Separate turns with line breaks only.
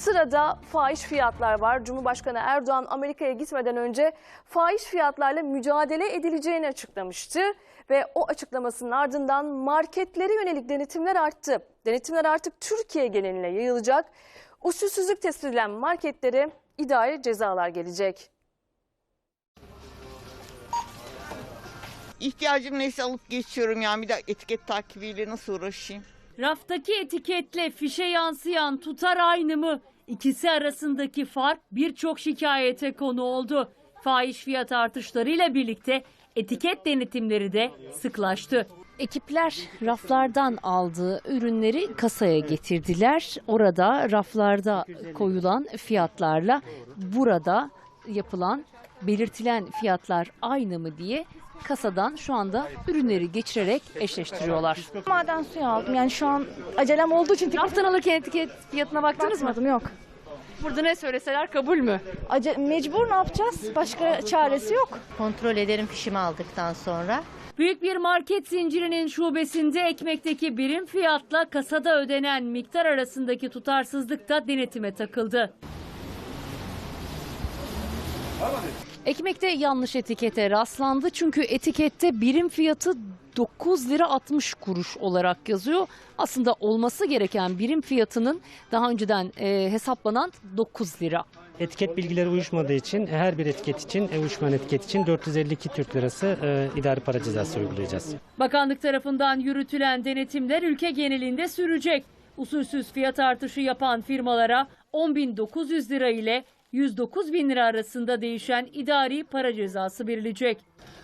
Sırada fahiş fiyatlar var. Cumhurbaşkanı Erdoğan Amerika'ya gitmeden önce fahiş fiyatlarla mücadele edileceğini açıklamıştı. Ve o açıklamasının ardından marketlere yönelik denetimler arttı. Denetimler artık Türkiye geneline yayılacak. Usulsüzlük tespit edilen marketlere idari cezalar gelecek.
İhtiyacım neyse alıp geçiyorum, yani bir de etiket takibiyle nasıl uğraşayım?
Raftaki etiketle fişe yansıyan tutar aynı mı? İkisi arasındaki fark birçok şikayete konu oldu. Fahiş fiyat artışlarıyla birlikte etiket denetimleri de sıklaştı.
Ekipler raflardan aldığı ürünleri kasaya getirdiler. Orada raflarda koyulan fiyatlarla burada yapılan belirtilen fiyatlar aynı mı diye kasadan şu anda ürünleri geçirerek eşleştiriyorlar.
Maden suyu aldım. Yani şu an acelem olduğu için
Raftan alırken etiket fiyatına baktınız mı?
bakmadım, yok.
Burada ne söyleseler kabul mü?
Mecbur, ne yapacağız? Başka çaresi yok.
Kontrol ederim fişimi aldıktan sonra.
Büyük bir market zincirinin şubesinde ekmekteki birim fiyatla kasada ödenen miktar arasındaki tutarsızlık da denetime takıldı.
Ekmekte yanlış etikete rastlandı çünkü etikette birim fiyatı 9 lira 60 kuruş olarak yazıyor. Aslında olması gereken birim fiyatının daha önceden hesaplanan 9 lira.
Etiket bilgileri uyuşmadığı için her bir etiket için, uyuşmayan etiket için 452 Türk Lirası idari para cezası uygulayacağız.
Bakanlık tarafından yürütülen denetimler ülke genelinde sürecek. Usulsüz fiyat artışı yapan firmalara 10.900 lira ile 109.000 lira arasında değişen idari para cezası verilecek.